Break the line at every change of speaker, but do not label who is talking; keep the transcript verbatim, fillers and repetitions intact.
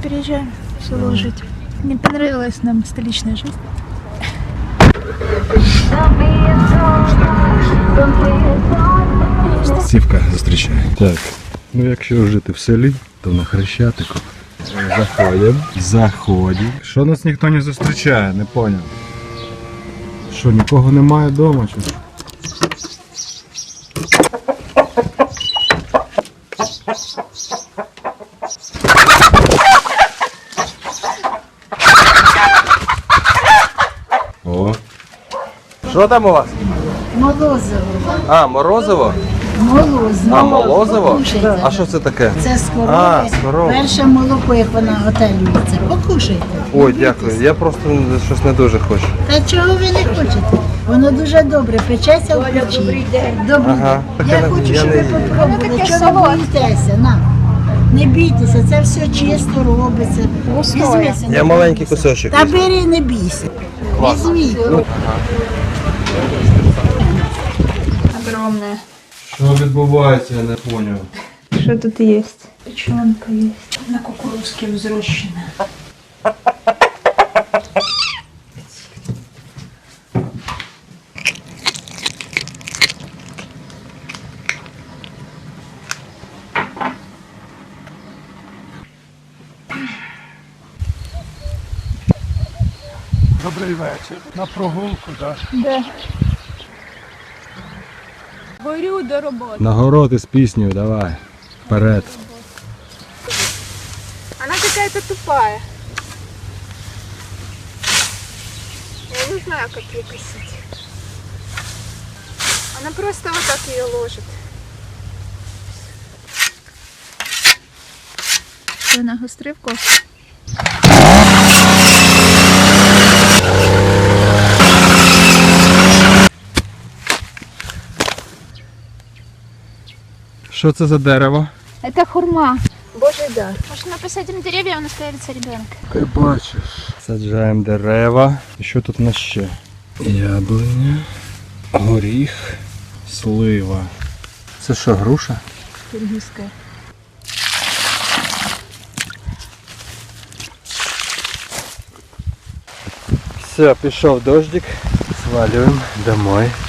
переезжаем в село жить. Не понравилась нам столичная жизнь.
Сівка зустрічає. Так, ну якщо жити в селі, то на Хрещатику. Заходимо. Заходимо. Що нас ніхто не зустрічає, не поняв. Що, нікого немає вдома? Чи? О.
Що там у вас?
Молозиво.
А, морозиво?
Молозиво.
А, молозиво?
Покушайте.
А що це таке?
Це з корови.
А, з корови.
Перше молоко, як вона готелюється. Покушайте.
Ой, дякую. Я просто щось не дуже хочу.
Та чого ви не хочете? Воно дуже добре, печеться в печі. Добрий день.
Ага.
Я
Я
хочу,
не-
щоб
я
ви
не-
попробували. Чого ви боїтеся? На. Не бійтеся, це все чисто робиться. Візьмися.
Я маленький кусочок.
Та бери, не бійся. Візьміть.
Огромная.
Що відбувається, я не поняв.
Что тут есть? Печенка есть. На кукурузке взрощена.
Добрий вечір. На прогулку, так?
Да. Горю до роботи.
Нагород із піснею, давай. Вперед.
Она какая-то тупая. Я не знаю, как ее косить. Она просто вот так ее ложит. Что, на гострывку?
Що це за дерево?
Это хурма. Божий дар. Может, мы посадим деревья, у нас появится ребенок.
Ти бачиш. Саджаємо дерева. І що тут у нас ще? Яблуня, горіх, слива. Це що, груша?
Киргизская.
Все, пішов дождик. Свалюємо домой.